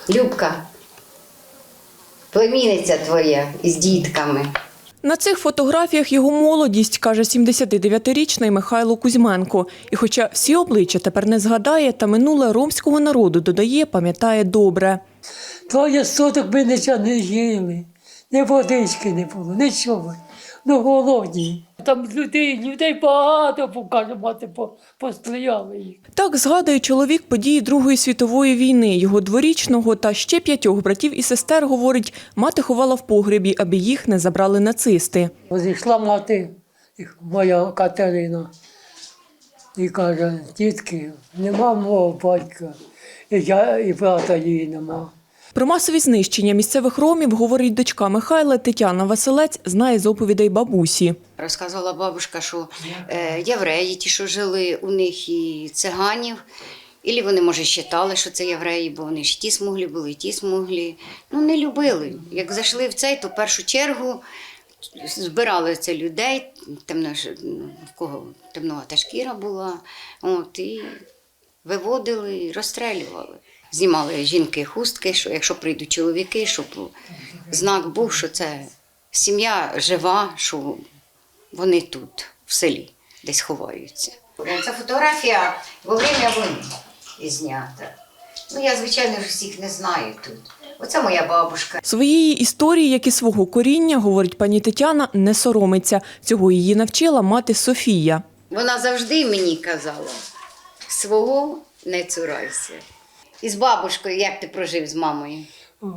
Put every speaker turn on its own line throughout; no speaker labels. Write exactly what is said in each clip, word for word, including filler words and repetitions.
Любка, племінниця твоя із дітками.
На цих фотографіях його молодість, каже сімдесятидев'ятирічний Михайло Кузьменко. І хоча всі обличчя тепер не згадає, та минуле ромського народу, додає, пам'ятає добре.
Двоє суток ми нічого не їли, ні водички не було, нічого. Ну, голодні. Там людей, людей багато, каже мати, постояли їх.
Так згадує чоловік події Другої світової війни. Його дворічного та ще п'ятьох братів і сестер, говорить, мати ховала в погребі, аби їх не забрали нацисти.
Зійшла мати, моя Катерина, і каже, тітки, нема мого батька, і я, і брата її нема.
Про масові знищення місцевих ромів, говорить дочка Михайла Тетяна Василець, знає з оповідей бабусі.
Розказувала бабушка, що е, євреї, ті, що жили у них, і циганів, і вони, може, вважали, що це євреї, бо вони ж ті смуглі були, і ті смуглі. Ну, не любили. Як зайшли в цей, то в першу чергу збирали це людей, темно, в кого темновата шкіра була, от, і виводили, і розстрелювали. Знімали жінки хустки, що якщо прийдуть чоловіки, щоб знак був, що це сім'я жива, що вони тут, в селі, десь ховаються. Ця фотографія во время війни знята. Ну, я, звичайно, всіх не знаю тут. Оце моя бабушка.
Своєї історії, як і свого коріння, говорить пані Тетяна, не соромиться. Цього її навчила мати Софія.
Вона завжди мені казала, свого не цурайся. І з бабушкою, як ти прожив з мамою?
О,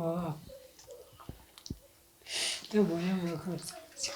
ти моя виходця.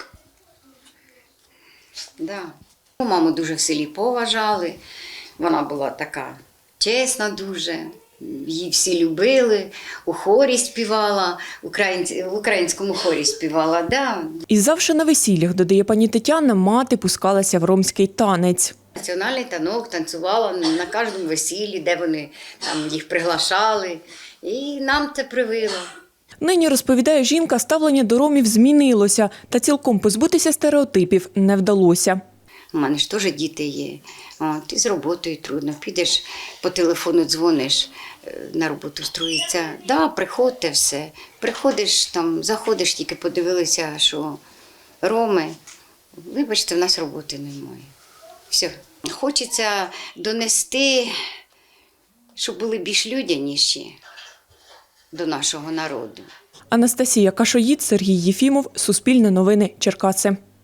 Да. Маму дуже в селі поважали, вона була така чесна дуже, її всі любили, у хорі співала, в українському хорі співала. Да.
І завжди на весіллях, додає пані Тетяна, мати пускалася в ромський танець.
Національний танок танцювала на кожному весіллі, де вони там їх приглашали, і нам це привило.
Нині, розповідає жінка, ставлення до ромів змінилося, та цілком позбутися стереотипів не вдалося.
У мене ж теж діти є, от, і з роботою трудно. Підеш по телефону, дзвониш, на роботу строїться. Да, приходьте все. Приходиш, там, заходиш, тільки подивилися, що роми, вибачте, в нас роботи немає. Все. Хочеться донести, щоб були більш людяніші до нашого народу.
Анастасія Кашоїд, Сергій Єфімов, Суспільне новини, Черкаси.